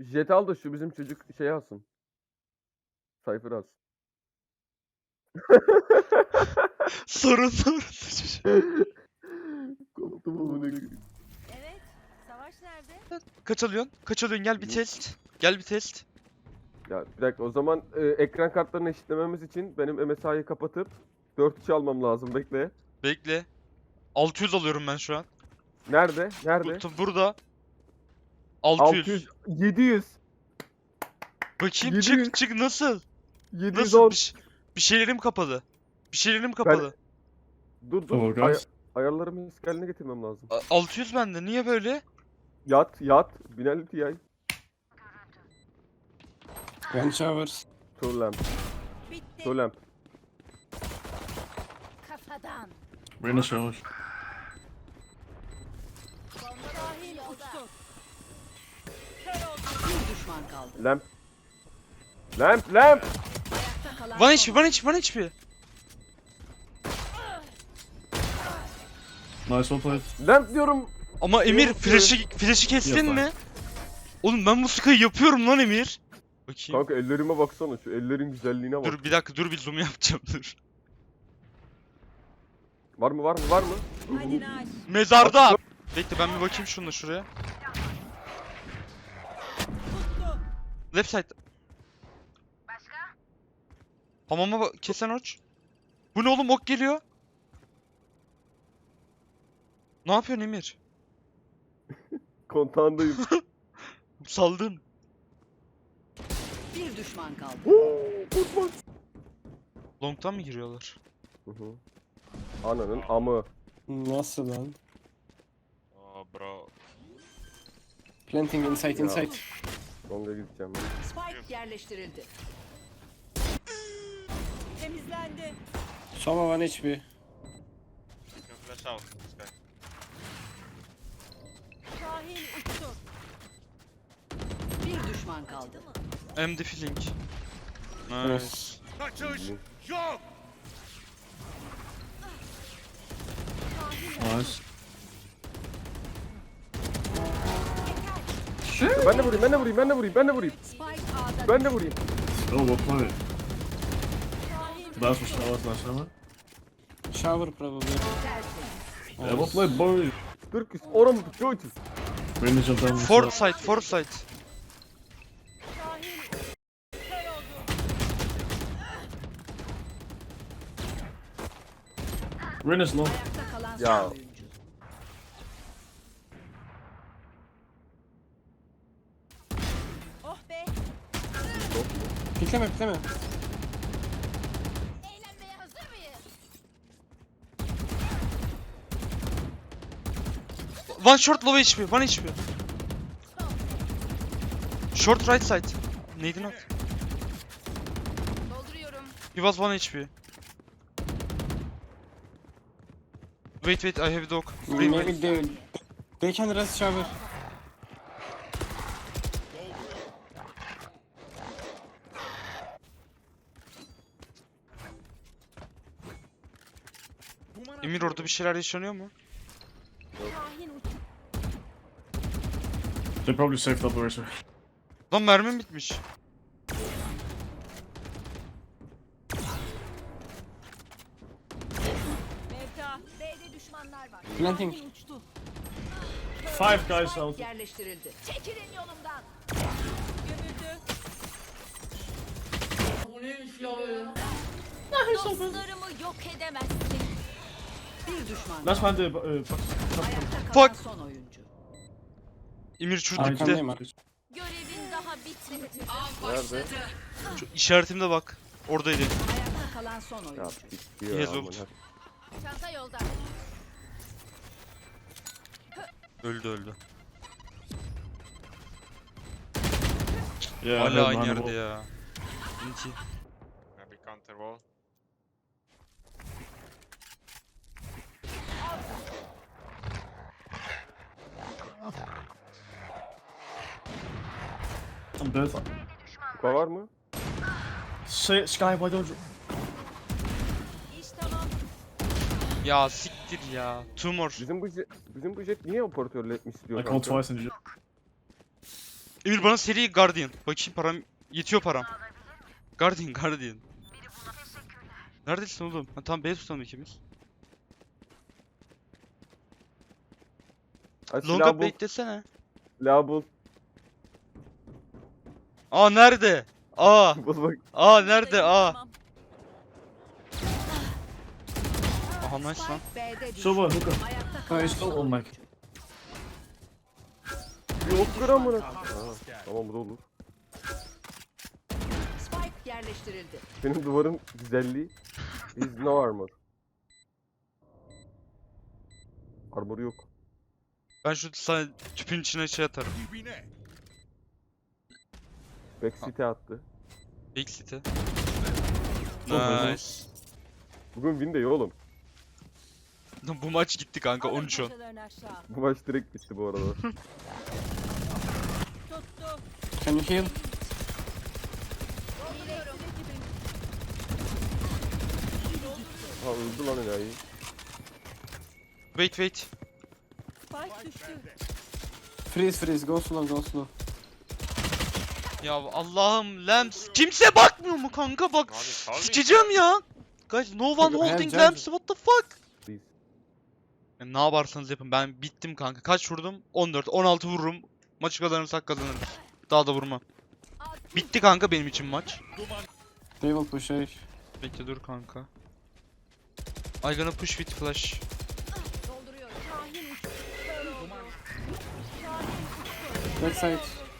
Jet al da şu bizim çocuk şey alsın. Cypher alsın. Sorun. Korktum amına koyayım. Evet. Savaş nerede? Kaç alıyorsun? Kaç alıyorsun? Gel bir test. Gel bir test. Ya bir dakika o zaman ekran kartlarını eşitlememiz için benim MSI'yi kapatıp 4-3 almam lazım. Bekle. Bekle. 600 alıyorum ben şu an. Nerede? Nerede? Burada. 600. 600. 700. Bakayım 700. çık nasıl? 710. Nasıl? Bir şeylerim kapalı. Bir şeylerim kapalı. Dur Oh, dur. guys. Ayarlarımı eski getirmem lazım. 600 bende. Niye böyle? Yat. Binali TI. One showers. Two lamp. Bitti. Two lamp. Kafadan. Reyna showers. Bomba dahil uçtu. Kör oldu. Bir düşman kaldı. Lamp. Lamp. Ayakta kalan Bana son. hiçbir. Nice, well played. Lamp diyorum. Ama Emir Yok, flash'ı kestin Yok, mi? Oğlum ben bu sky'ı yapıyorum lan Emir. Bakayım. Kanka ellerime baksana şu ellerin güzelliğine bak. Dur bir dakika bir zoom yapacağım dur. Var mı? Hadi Naş. Mezarda. Bekle ben bir bakayım şununla şuraya. Tuttu. Left side. Hamama kesen oç. Bu ne oğlum ok geliyor. Ne yapıyorsun Emir? Kontağındayım. Saldın. Bir düşman kaldı. Long'tan mı giriyorlar? Hı hı. Ananın amı. Nasıl lan? Oh bro. Planting inside. Long'a gideceğim ben. Spike yerleştirildi. Temizlendi. Sova one HP. Flash out. Şahin uçtu. Bir düşman kaldı. I'm defilling. Nice. Nice. Nice. Ben de vurayım. Spike A'da. Ben de vurayım. Oh, well played. Şahin Last hammer. Shower probably. tersi. Yeah, well played, boy. Türküs. Oramı tut. Çoğuçuz. Reyna jumped down. Fourth side. Şahin kör oldu. Reyna's low. Ayakta kalan son Ya. oyuncu. Oh be. Pikleme. Eğlenmeye hazır mıyız? One short low HP. One HP. Short right side. Neydi not? Dolduruyorum. He was 1 HP. Wait, I have dog. Maybe they can rest shower. Emir orada bir şeyler yaşanıyor mu? Şahin uçtu. They probably saved up the racer. Lan mermim bitmiş. Mevta. B'de düşmanlar var. Planting. Şahin uçtu. 5 guys Spike out. yerleştirildi. Çekilin yolumdan. Gömüldü. Dostlarımı yok edemezsin. Bir düşman. Last man, Ayakta kalan Fuck. son oyuncu. Emir şurada bir de. Arkandayım abi. Görevin daha bitmedi. Nerede? Şu işaretimde bak. Oradaydı. Ayakta kalan son Ya oyuncu. bitiyor Yes, amına. oldu. Çanta yolda. Öldü. Yeah, Hala aynı behind the yerde wall. ya. İnti. Maybe counter wall. I'm dead. Kupa var mı? Say, Sky, why don't you? İş tamam. Ya siktir ya. Tumor. Bizim bu jet niye operatörle etmiş istiyor I called kanka? twice and you. Emir bana seri Guardian. Bakayım param yetiyor param. Guardian. Neredesin oğlum? Ha tamam B tutalım ikimiz. Ay, silah Longa bul. beklesene. Silah bul. Aa nerede? Aa. Bul bak. Aa nerede? Aa. Tamam. Aha nice lan. Spike B'de düştü. Silver hookah. Ayakta No, kalan he's still on mic. Yok gram bunu. Tamam bu da olur. Spike yerleştirildi. Benim duvarın güzelliği. Is no armor. Armoru yok. Ben şu sana tüpün içine şey atarım. Backseat'e attı. Big City. Çok Nice. Bugün win de iyi oğlum. Bu maç gitti kanka 13-10. Bu maç direkt bitti bu arada. Tuttu. Can you heal? Ha öldü lan enayi. Wait. Spike düştü. Freeze, go slow. Ya Allah'ım Lamps. Kimse bakmıyor mu kanka bak. Abi sal bir. Sikeceğim ya. Guys no one holding Gel. Lamps what the fuck. Please. Ya ne yaparsanız yapın ben bittim kanka. Kaç vurdum? 14 16 vururum. Maçı kazanırsak kazanırız. Daha da vurmam. Bitti kanka benim için maç. They will push A. Bekle dur kanka. I gonna push with flash. Dolduruyorum. Şahin uçtu. Kör oldu. Backside.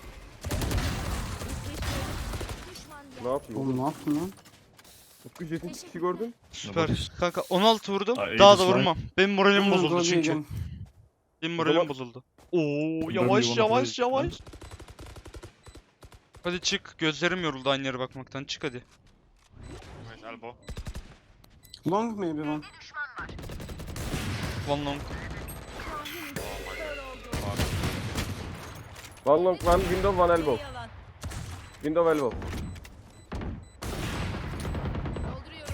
Ne yapıyor? Oğlum ne yaptın lan? Utku Jet'in çıkışı gördün? Süper. Kanka 16 vurdum. Aa, iyi Daha da bir slide. vurmam. Benim moralim Oğlum, bozuldu go çünkü. again. Benim O zaman- moralim bozuldu. Oo you yavaş wanna yavaş play? yavaş. Hadi çık. Gözlerim yoruldu aynı yere bakmaktan. Çık hadi. Nice elbow. Long maybe one. One long. One long, one window, one elbow. Yalan. Window elbow. Dolduruyorum.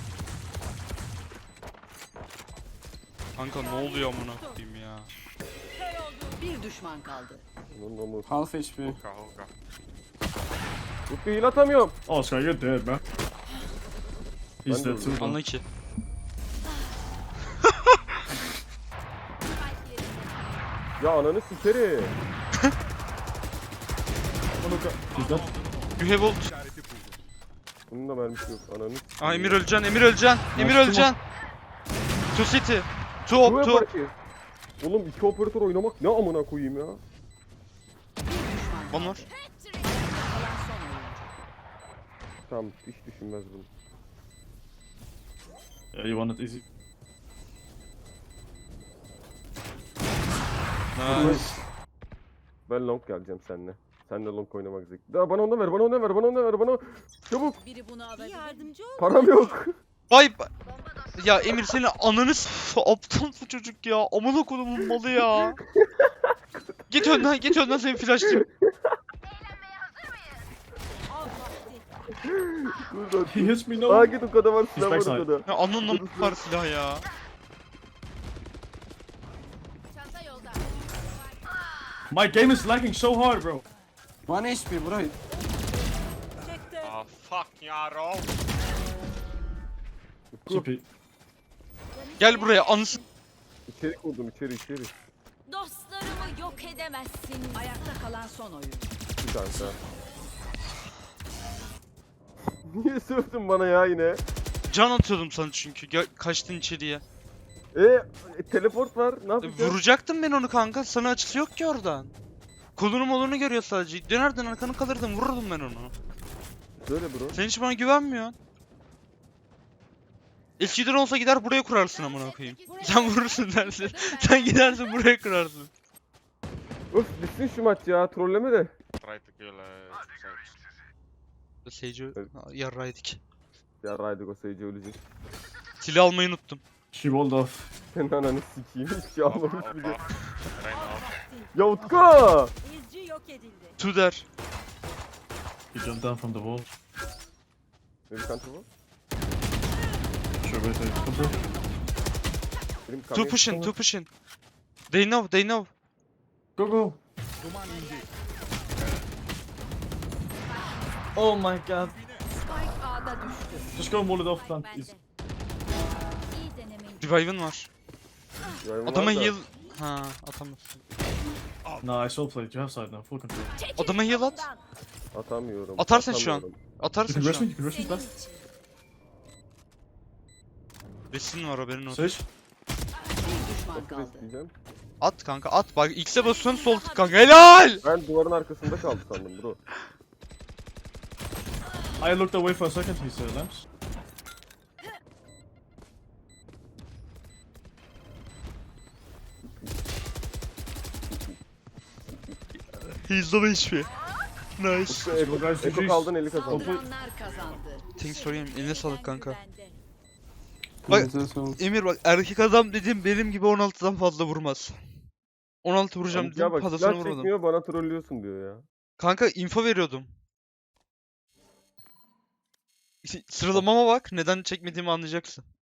Kanka ne oluyor amına koyayım ya. Kör oldu. Bir düşman kaldı. Onun amı. Half HP. Hookah. Utku heal atamıyorum. Oh, Sky, you're dead, man. He's Ben de dead too. Anla ki. Ya ananı sikerim. He's dead. You have ult. Bunun da mermisi yok. Ananı Aa Emir öleceksin. Emir öleceksin. To city. To Bu op to. yapar ki. Oğlum iki operatör oynamak ne amına koyayım ya. One more. Kalan son oyuncu. Tamam hiç düşünmez bunu. Yeah, you won it easy. Nice. Ben long geleceğim seninle. Senle long oynamak zevkli. Daha bana onu ver, bana onu ver, bana onu ver, bana. Çabuk. Biri bunu alabilir. Yardımcı ol. Param yok. Vay ya Emir senin ananı aptal bu çocuk ya. Amına kodumun malı ya. Git önden seni flashlayayım. Dur He hits me dur. no. Aa git o kadar var silah var backside. o kadar. Ya ananla var silah ya. Çanta yolda. My game is lagging so hard, bro. 1 HP bro. Çekti. Ah fuck yaro. GP. Gel buraya anısı. İçeri koydum içeri. Dostlarımı yok edemezsin. Ayakta kalan son oyuncu. Bir kanka. Niye sövdün bana ya yine? Can atıyordum sana çünkü. Kaçtın içeriye. Teleport var. Ne yapacağız? Vuracaktım ben onu kanka. Sana açısı yok ki oradan. Kolunu molunu görüyor sadece. Dönerden arkanı kalırdım. Vururdum ben onu. Söyle bro. Sen hiç bana güvenmiyorsun. Eskiden olsa gider buraya kurarsın amına koyayım. Sen vurursun dersin. Sen gidersin buraya kurarsın. Öf bitsin şu maç ya. Trolleme de. Try to kill Sage. Sage Evet. yarraydık. Ya Raydik o sayıcı ölecek. Silah almayı unuttum. She walled off. Senin ananı sikeyim. Hiç şey almamış Off bile. off. Rain off. Ya Utku! İzci yok edildi. Tu der. He jumped down from the wall. Ne bir counter var? Sure, wait. Come through. Benim Two pushing. They know. Go, go. Oh my god. Spike A'da düştü. Just go Molotov plant. Easy. İyi denemeyin. Revive'ın var. Yani Adama var da- heal... Ha atamazsın. Nah, I still play. You have side now. Full control. Adama heal at. Atamıyorum. Atarsın şu an. atamıyorum. You Atarsın can şu rush me. an. You can rush me fast. Resin var haberin olsun. Sage. Bir düşman Nasıl kaldı. isteyeceğim? At kanka at. Bak X'e basıyorsun sol tık kanka. Helal! Ben duvarın arkasında kaldı sandım bro. I looked away for a second. He's lamps. He's the HP. Nice. Eko, guys, Eko GG's. kaldın 50 kazandın. Saldıranlar kazandı. Thanks sorayım. Eline sağlık kanka. Bende. Bak- Elinize sağlık. Emir bak erkek adam dediğim benim gibi 16'dan fazla vurmaz. 16 vuracağım Ya dedim bak fazlasını silah vurmadım. çekmiyor bana trollüyorsun diyor ya. Kanka info veriyordum. Sıralamama bak neden çekmediğimi anlayacaksın.